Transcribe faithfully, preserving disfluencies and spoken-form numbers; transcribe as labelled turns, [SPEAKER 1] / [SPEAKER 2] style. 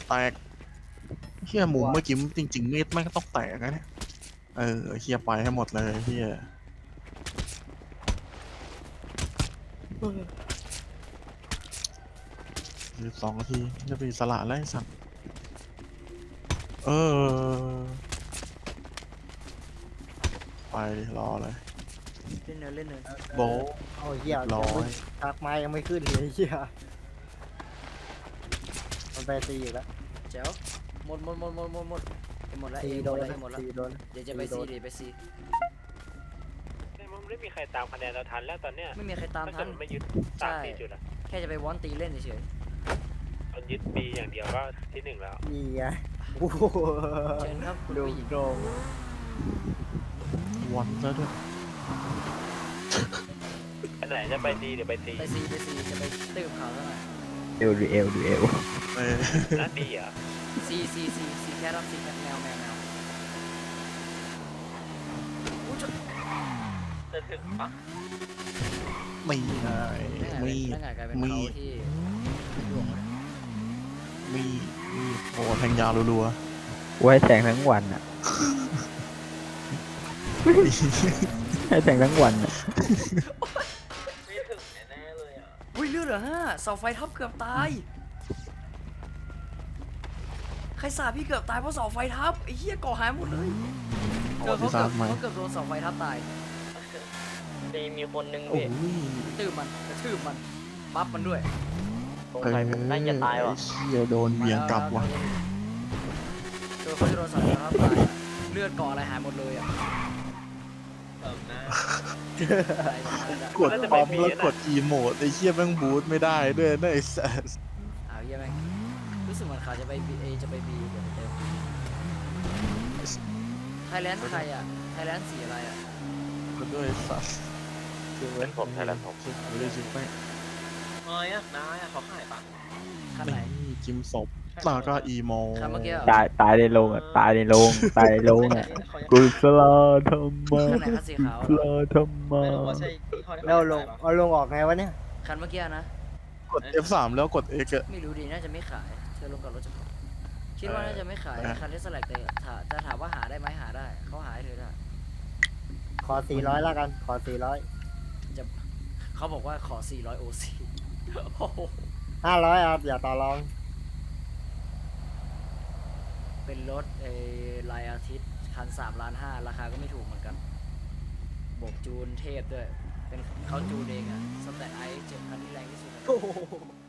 [SPEAKER 1] แตกเฮียหมูเมื่อกี้จริงๆมีดแม่งก็ต้องแตกนะเนี่ยเออเฮียไปให้หมดเลยเฮียหรือสองนาทีจะไปสละแล้วไอ้สัตว์เออไปดิรอเลย
[SPEAKER 2] เล่นเนินเล่นเนิน
[SPEAKER 1] โบะ
[SPEAKER 3] เอาเหี้ย
[SPEAKER 1] ร้อย
[SPEAKER 3] ทักไม้ยังไม่ขึ้นเลยเหี้ยมันไปตีอยู่แล้ว
[SPEAKER 2] แจ๋วหมดหมดหมดหมดหมดหมดไปหมดแล้วเอ
[SPEAKER 3] ตี
[SPEAKER 2] ห
[SPEAKER 3] โด
[SPEAKER 2] มด
[SPEAKER 3] น
[SPEAKER 2] แล้วเอหมดแล้ว
[SPEAKER 3] ตีโดน
[SPEAKER 2] เดี๋ยวจะไปซีเดี๋ยวไปซี
[SPEAKER 4] มันไม่มีใครตามคะแนนเราทันแล้วตอนเนี้ย
[SPEAKER 2] ไม่มีใครตาม
[SPEAKER 4] ถ้า
[SPEAKER 2] ทั
[SPEAKER 4] เกิด
[SPEAKER 2] น
[SPEAKER 4] มันไม่ยึดสามสี่จุดอะ
[SPEAKER 2] แค่จะไปวอนตีเล่นเฉย
[SPEAKER 4] ตอนยึดปีอย่างเดียวก็ที่หนึ่งแล้ว
[SPEAKER 3] นี่ไงโอ้โห
[SPEAKER 2] ๆเชิญครับคุณ
[SPEAKER 3] ดู
[SPEAKER 2] ผู้หญิง
[SPEAKER 3] โดง
[SPEAKER 1] วันซะด้วย
[SPEAKER 4] อันไหนจะไปดีหรือไปตี
[SPEAKER 2] ไปซีไปซีจะไปตื้มเขาซะหน่อย
[SPEAKER 5] เอลดูเอลดูเอล
[SPEAKER 1] เออ
[SPEAKER 4] น่าดีเหรอ
[SPEAKER 2] ซีซีซีซีแค่รับซีแค่แมวแมวแมวอู้จะ
[SPEAKER 4] จะถึงปะ
[SPEAKER 1] ไม่ไง
[SPEAKER 2] นั่นไง
[SPEAKER 1] มี
[SPEAKER 2] นั่นไงกลายเป็น
[SPEAKER 1] มี
[SPEAKER 2] เขาที่ดวงเลย
[SPEAKER 1] มีมีโอ้แทงยาวรัว
[SPEAKER 5] ไว้แทงทั้งวันอ่ะ
[SPEAKER 1] ๆ
[SPEAKER 5] ให้แทงทั้งวันอ่ะ
[SPEAKER 4] ไม่ถึงแน่ๆเลยอ่ะ
[SPEAKER 2] อุ้ยเลือดเหรอฮะเสาไฟทับเกือบตายใครสาบพี่เกือบตายเพราะเสาไฟทับไอ้เหี้ยก่อหายหมดเลยเกือบเขาเกือบเขาเกือบโดนเสาไฟทับตาย
[SPEAKER 4] ตีมีคนนึง
[SPEAKER 1] โอ้
[SPEAKER 4] พี่
[SPEAKER 1] ย
[SPEAKER 2] ตื้มมันกระทืบมันปั๊บมันด้วย
[SPEAKER 4] สงสัยผมน่าจะตายว่ะ
[SPEAKER 1] เชี่ยโดนเบี่ยงกลับว่ะ
[SPEAKER 2] เจอเขาจะโดนเสาไฟทับตายอะเลือดก่ออะไรหายหมดเลยอ่ะ
[SPEAKER 4] เติมหน้าก
[SPEAKER 1] ดปั๊มแล้วกดอีโมดไอ้เชี่ยแม่งบูทไม่ได้ด้วยนะไอ้สัส
[SPEAKER 2] อ้าวเหี้ยแม่งรู้สึกเหมือนเขาจะไปบีเอจะไปบีเดี๋ยวไปเติมไทยแลนด์ใครอ่ะไทยแลนด์สีอะไรอ่ะ
[SPEAKER 1] ก็ด้วยสัส
[SPEAKER 4] เป็นผมไทยแลนด์ผม
[SPEAKER 1] ไม่ได้ชิบแม่ง
[SPEAKER 4] น้อยอ่ะน้อยอ่ะเขาขายปะ
[SPEAKER 2] คันไหน
[SPEAKER 1] นี่จิมศพแล้วก็อีโม
[SPEAKER 2] คันเมื่อกี้เหรอ
[SPEAKER 5] ตายตายในโรงอ่ะตายในโรงตายในโรงอ่ะกุศลธรรมะ
[SPEAKER 2] คันไหนคันสีขาว
[SPEAKER 5] กุ
[SPEAKER 2] เหร
[SPEAKER 5] ศ
[SPEAKER 2] อ
[SPEAKER 5] ลธรรมะ
[SPEAKER 3] แล้วลงเอาลงออกไงวะเนี่ย
[SPEAKER 2] คันเมื่อกี้นะ
[SPEAKER 1] กด เอฟ สาม แล้วกด X อะ
[SPEAKER 2] ไม่รู้ดีน่าจะไม่ขายเธอลงกับรถจะพอคิดว่าน่าจะไม่ขาย
[SPEAKER 1] เออ
[SPEAKER 2] คันที่สแลกแต่ถาจะถามว่าหาได้ไหมหาได้เขาหาให้เธอได้
[SPEAKER 3] ขอสี่ร้อยแล้วกัน ขอสี่ร้อย
[SPEAKER 2] จะเขาบอกว่าขอสี่ร้อยโอซีโอ้โห
[SPEAKER 3] ห้าร้อยครับ อย่าต่อรอง
[SPEAKER 2] เป็นรถเอลายอาทิตย์คันสามล้านห้าราคาก็ไม่ถูกเหมือนกันโบกจูนเทพด้วยเป็นเขาจูนเองอะสแตทไอซ์เจ็ดคันที่แรงที่สุด